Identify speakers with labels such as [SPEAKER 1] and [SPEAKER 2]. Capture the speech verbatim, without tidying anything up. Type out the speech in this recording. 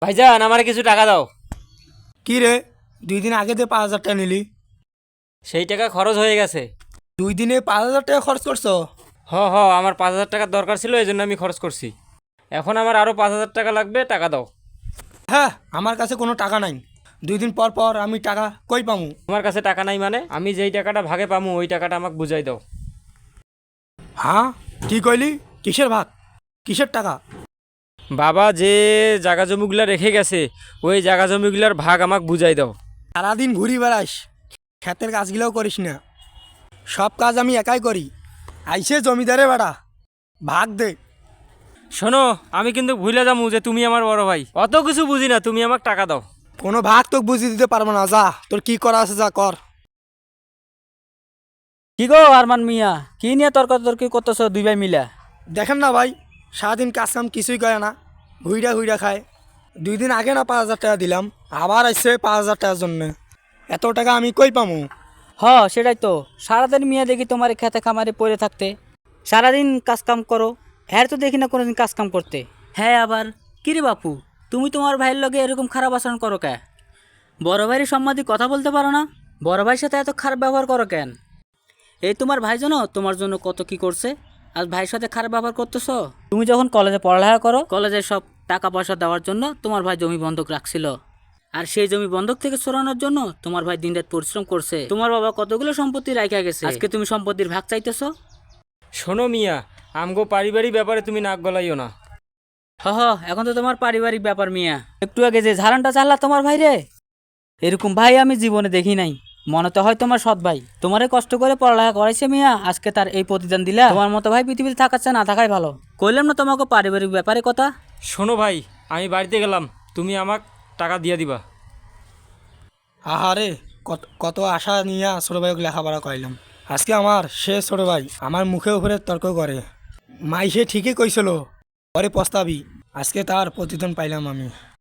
[SPEAKER 1] ভাইজান আমার কিছু টাকা দাও।
[SPEAKER 2] কি রে, দুই দিন আগে যে পাঁচ হাজার টাকা নিলি,
[SPEAKER 1] সেই টাকা খরচ হয়ে গেছে।
[SPEAKER 2] দুই দিনে পাঁচ হাজার টাকা খরচ করছো?
[SPEAKER 1] হ হ আমার পাঁচ হাজার টাকার দরকার ছিল, এই জন্য আমি খরচ করছি। এখন আমার আরও পাঁচ হাজার টাকা লাগবে, টাকা দাও।
[SPEAKER 2] হ্যাঁ, আমার কাছে কোনো টাকা নাই। দুই দিন পর পর আমি টাকা কই পামু?
[SPEAKER 1] তোমার কাছে টাকা নাই মানে? আমি যেই টাকাটা ভাগে পামু ওই টাকাটা আমাকে বুঝাই দাও।
[SPEAKER 2] হ্যাঁ, কি কইলি? কিসের ভাগ? কিসের টাকা?
[SPEAKER 1] বাবা যে জাগা জমিগুলা রেখে গেছে ওই জাগা জমিগুলার ভাগ আমাকে বুঝাই দাও।
[SPEAKER 2] সারাদিন ঘুরি বেড়াস, ক্ষেতের কাজগুলোও করিস না। সব কাজ আমি একাই করি। আইসে জমিদারে বেড়া, ভাগ দে।
[SPEAKER 1] শোনো, আমি কিন্তু ভুলে যাবো যে তুমি আমার বড় ভাই, অত কিছু বুঝি না, তুমি আমাকে টাকা দাও।
[SPEAKER 2] কোনো ভাগ তোকে বুঝিয়ে দিতে পারবো না, যা তোর কি করা আছে যা কর।
[SPEAKER 3] কি গো আরমান মিয়া, কি নিয়ে তর্কাতর্কি করতেছ দুই ভাই মিলা?
[SPEAKER 2] দেখেন না ভাই, সারাদিন কাজ কাম কিছুই করে না, হুইড়া হুইড়া খায়। দুই দিন আগে না পাঁচ হাজার টাকা দিলাম, আবার আসছে পাঁচ হাজার টাকার জন্য। এত টাকা আমি কই পামু?
[SPEAKER 3] হ সেটাই তো, সারাদিন মিয়া দেখি তোমার এই খেতে খামারে পড়ে থাকতে, সারাদিন কাজ কাম করো। হ্যাঁ তো দেখি না কোনোদিন কাজ কাম করতে। হ্যাঁ আবার কিরে বাপু, তুমি তোমার ভাইয়ের লগে এরকম খারাপ আচরণ করো কে? বড় ভাইয়ের সম্মাদি কথা বলতে পারো না? বড় ভাইয়ের সাথে এত খারাপ ব্যবহার করো কেন? এই তোমার ভাই জানো তোমার জন্য কত কি করছে, আজ ভাইয়ের সাথে খারাপ ব্যবহার করতেছো? তুমি যখন কলেজে পড়ালেখা করো, কলেজের সব টাকা পয়সা দেওয়ার জন্য তোমার ভাই জমি বন্ধক রাখছিল, আর সেই জমি বন্ধক থেকে সরানোর জন্য তোমার ভাই দিনরাত পরিশ্রম করছে। তোমার বাবা কতগুলো সম্পত্তি রাখা গেছে, আজকে তুমি সম্পত্তির ভাগ চাইতেছো?
[SPEAKER 1] শোনো মিয়া, আমগো পারিবারিক ব্যাপারে তুমি নাক গলাইও না।
[SPEAKER 3] হ হ এখন তো তোমার পারিবারিক ব্যাপার মিয়া। একটু আগে যে ঝাড়ানটা চাল্লা তোমার ভাই রে, এরকম ভাই আমি জীবনে দেখি নাই। মনে তো হয় তোমার সৎ ভাই, তোমারে কষ্ট করে পড়ালেখা করাইছে মিয়া, আজকে তার এই প্রতিদান দিলা। তোমার মতো ভাই পৃথিবীতে থাকাচ্ছে না থাকাই ভালো। কইলাম না তোমাকে পারিবারিক ব্যাপারে কথা।
[SPEAKER 1] শোনো ভাই, আমি বাড়িতে গেলাম, তুমি আমাকে টাকা দিয়ে দিবা।
[SPEAKER 2] আহারে, কত কত আশা নিয়ে ছোটো ভাইকে লেখাপড়া করাইলাম, আজকে আমার সে ছোটো ভাই আমার মুখে উপরে তর্ক করে। মাই সে ঠিকই কইছিল, পরে পস্তাবি, আজকে তার প্রতিদান পাইলাম আমি।